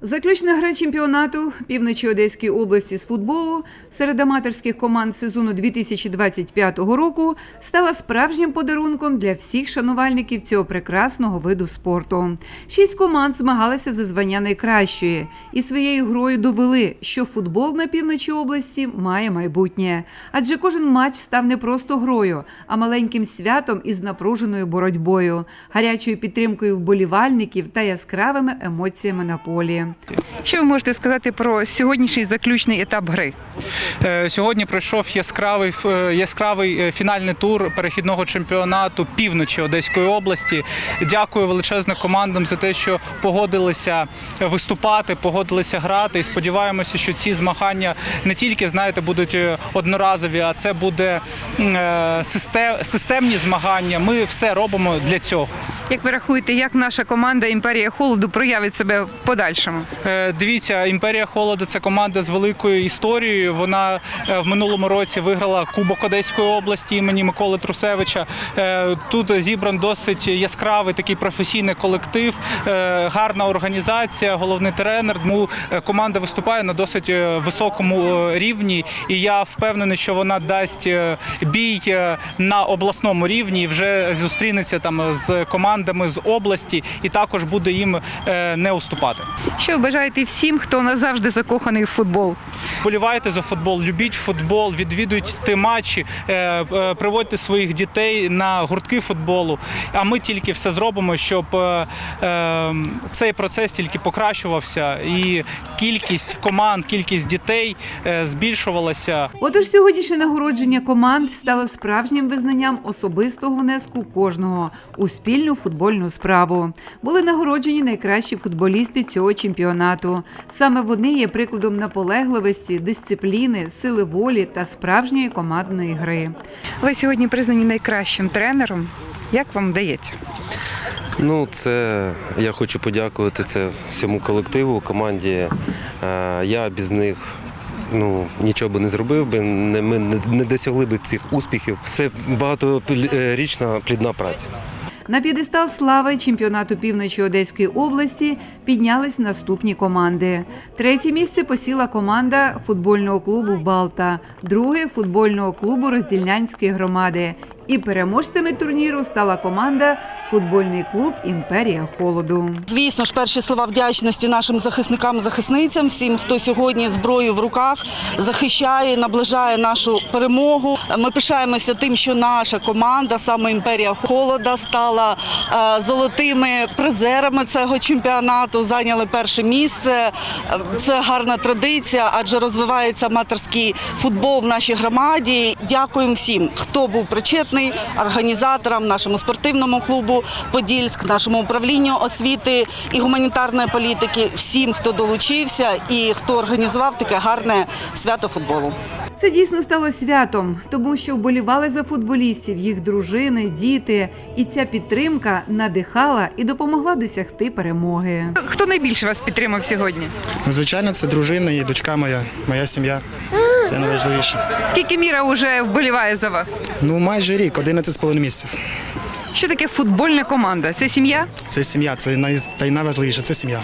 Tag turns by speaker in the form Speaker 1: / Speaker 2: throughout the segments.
Speaker 1: Заключна гра чемпіонату Півночі Одеської області з футболу серед аматорських команд сезону 2025 року стала справжнім подарунком для всіх шанувальників цього прекрасного виду спорту. 6 команд змагалися за звання найкращої і своєю грою довели, що футбол на півночі області має майбутнє. Адже кожен матч став не просто грою, а маленьким святом із напруженою боротьбою, гарячою підтримкою вболівальників та яскравими емоціями на полі.
Speaker 2: Що ви можете сказати про сьогоднішній заключний етап гри?
Speaker 3: Сьогодні пройшов яскравий фінальний тур перехідного чемпіонату Півночі Одеської області. Дякую величезно командам за те, що погодилися виступати, погодилися грати. І сподіваємося, що ці змагання не тільки, будуть одноразові, а це буде системні змагання. Ми все робимо для цього.
Speaker 2: Як ви рахуєте, як наша команда «Імперія Холоду» проявить себе в подальшому?
Speaker 3: Дивіться, «Імперія Холоду» – це команда з великою історією. Вона в минулому році виграла Кубок Одеської області імені Миколи Трусевича. Тут зібран досить яскравий такий професійний колектив, гарна організація, головний тренер. Тому команда виступає на досить високому рівні. І я впевнений, що вона дасть бій на обласному рівні і вже зустрінеться там з командами з області і також буде їм не уступати.
Speaker 2: Що ви бажаєте всім, хто назавжди закоханий в футбол?
Speaker 3: Вболівайте за футбол, любіть футбол, відвідуйте матчі, приводьте своїх дітей на гуртки футболу. А ми тільки все зробимо, щоб цей процес тільки покращувався і кількість команд, кількість дітей збільшувалася.
Speaker 1: Отож, сьогоднішнє нагородження команд стало справжнім визнанням особистого внеску кожного у спільну футбольну справу. Були нагороджені найкращі футболісти цього чемпіонату. Саме вони є прикладом наполегливості, дисципліни, сили волі та справжньої командної гри.
Speaker 2: Ви сьогодні признані найкращим тренером. Як вам вдається?
Speaker 4: Я хочу подякувати всьому колективу, команді. Я без них нічого би не зробив, ми не досягли б цих успіхів. Це багаторічна плідна праця.
Speaker 1: На п'єдестал слави чемпіонату Півночі Одеської області піднялись наступні команди. 3-є місце посіла команда футбольного клубу «Балта», 2-е – футбольного клубу Роздільнянської громади. І переможцями турніру стала команда футбольний клуб «Імперія Холоду».
Speaker 5: Звісно ж, перші слова вдячності нашим захисникам-захисницям, всім, хто сьогодні зброю в руках захищає, наближає нашу перемогу. Ми пишаємося тим, що наша команда, саме «Імперія Холода», стала золотими призерами цього чемпіонату, зайняли перше місце. Це гарна традиція, адже розвивається аматорський футбол в нашій громаді. Дякуємо всім, хто був причетний, організаторам, нашому спортивному клубу «Подільськ», нашому управлінню освіти і гуманітарної політики, всім, хто долучився і хто організував таке гарне свято футболу.
Speaker 1: Це дійсно стало святом, тому що вболівали за футболістів, їх дружини, діти. І ця підтримка надихала і допомогла досягти перемоги.
Speaker 2: Хто найбільше вас підтримав сьогодні?
Speaker 6: Звичайно, це дружина і дочка моя сім'я. Це найважливіше.
Speaker 2: Скільки Міра вже вболіває за вас?
Speaker 6: Майже рік, 11,5 місяців.
Speaker 2: Що таке футбольна команда? Це сім'я?
Speaker 6: Це сім'я, це найважливіше, це сім'я.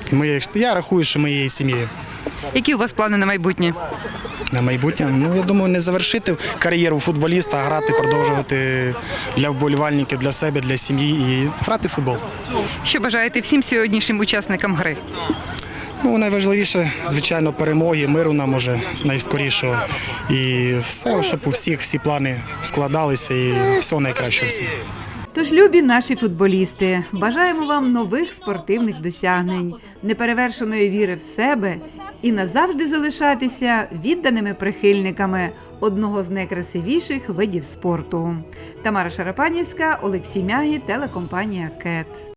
Speaker 6: Я рахую, що ми є сім'єю.
Speaker 2: Які у вас плани на майбутнє?
Speaker 6: На майбутнє? Я думаю, не завершити кар'єру футболіста, а грати, продовжувати для вболівальників, для себе, для сім'ї і грати в футбол.
Speaker 2: Що бажаєте всім сьогоднішнім учасникам гри?
Speaker 6: Найважливіше, звичайно, перемоги, миру нам уже найскорішого. І все, щоб у всіх всі плани складалися і всього найкращого всім.
Speaker 1: Тож, любі наші футболісти, бажаємо вам нових спортивних досягнень, неперевершеної віри в себе і назавжди залишатися відданими прихильниками одного з найкрасивіших видів спорту. Тамара Шарапанівська, Олексій Мягі, телекомпанія «КЕТ».